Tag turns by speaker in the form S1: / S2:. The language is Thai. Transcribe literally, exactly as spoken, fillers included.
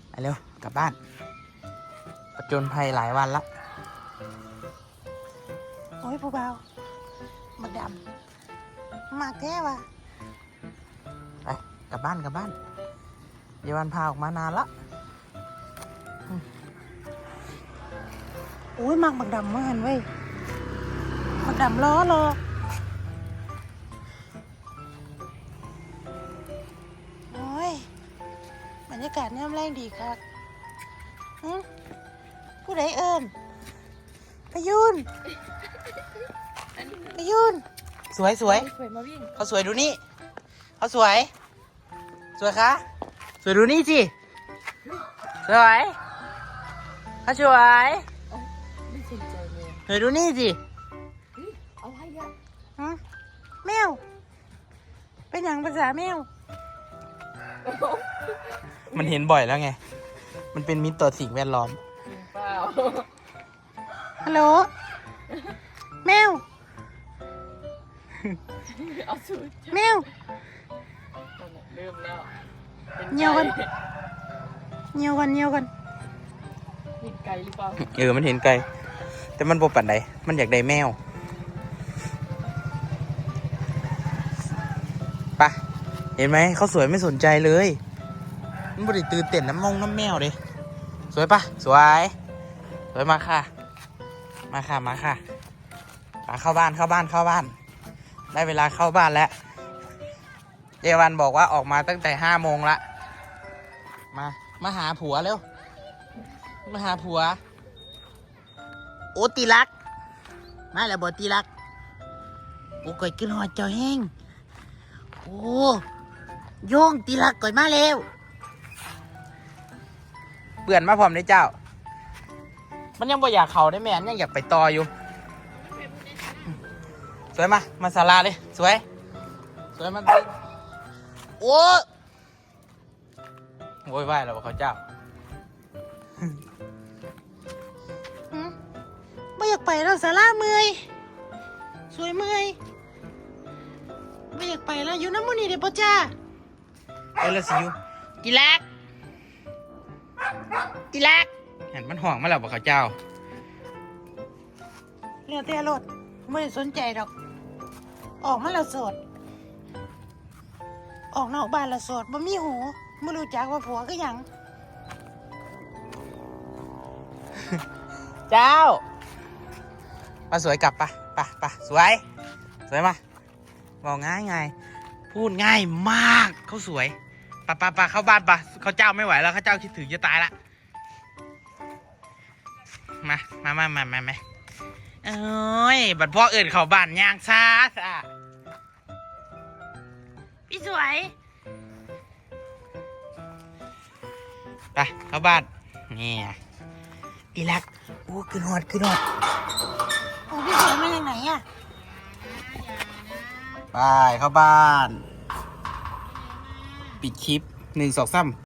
S1: ไปเร็วกลับบ้านประจนภัยหลายวันละ
S2: โอ้ยผู้เบามาดำมากแท้ว่ะ
S1: ไปกลับบ้านกลับบ้านเยาวันพาออกมานานละ
S2: โอ้ยมากบักดำมาหันเว้ยบักดำล้อรอโอ้ยบรรยากาศน้ำแรงดีครับผู้ใดเอิญพยุนพยุน
S1: สวยสวย
S2: สวยมาวิ่ง
S1: เขาสวยดูนี่เขาสวยสวยคะสวยดูนี่สิสวยเขาสวย
S2: ไม่สนใจเลย
S1: สวยดูนี่สิ
S2: เอาให้ยะฮะแมวเป็นอย่างภาษาแมว
S1: มันเห็นบ่อยแล้วไงมันเป็นมิตรต่อสิ่งแวดล้อม
S2: เปล่าฮัลโหลแมวเอาสูตรแมวเริ่มแล้วเงียวกันเงียวกันเงียวกันเห็นไก่หรือเปล่า
S1: เออมันเห็นไก่แต่มันโบปั่นใดมันอยากได้แมวปะเห็นไหมเขาสวยไม่สนใจเลยมันบริตื่นเต้นน้ำมงน้ำแมวเลยสวยปะสวยสวยมาค่ะมาค่ะมาค่ะมาเข้าบ้านเข้าบ้านเข้าบ้านได้เวลาเข้าบ้านแล้วเยาวันบอกว่าออกมาตั้งแต่ห้าโมงละมามาหาผัวเร็วมาหาผัวโอ้ตีรักมาแล้วบอตีรักโอ้ก่อยขึ้นหอดเจ้าแห้งโอ้โย่งตีรักก่อยมาเร็วเปื่อนมาพร้อมได้เจ้ามันยังบ่อยากเขาได้แม่ยังอยากไปต่ออยู่สวยมามาศาลาเลยสวยสวยมันโอ้โวยวายแล้วเขาเจ้า
S2: ไม่อยากไปแล้วสาราเมื่อยสวยเมื่อยไม่อยากไปแล้วอยู่น้ำมันนี่เดี๋ยวพ่อจ้า
S1: เออแล้วสิอยู่กีรักกีรักเห็นมันห่วงมาแล้วบอกเขาเจ้า
S2: เรียกเตี้ยรถไม่ได้สนใจดอกออกมาแล้วโสดออกนอกบ้านแล้วโสดบ่มีหูไม่รู้จักว่าผัวก็ยัง
S1: เจ้ามาสวยกลับปะปะปะสวยสวยมาบอกง่ายไงพูดง่ายมากเขาสวยปะปะปะเข้าบ้านปะเขาเจ้าไม่ไหวแล้วเขาเจ้าคิดถึงจะตายละมามามามามามาเอ้ยบัดพ่อเอิญเขาบ้านย่างซาซะ
S2: พี่สวย
S1: ไปเข้าบ้านนี่อีลักโอ้ขึ้นหอดขึ้นหอด
S2: โอ้พี่สวยมาจากไหนอ่ะ
S1: ไปเข้าบ้านปิดคลิปหนึ่งสองสาม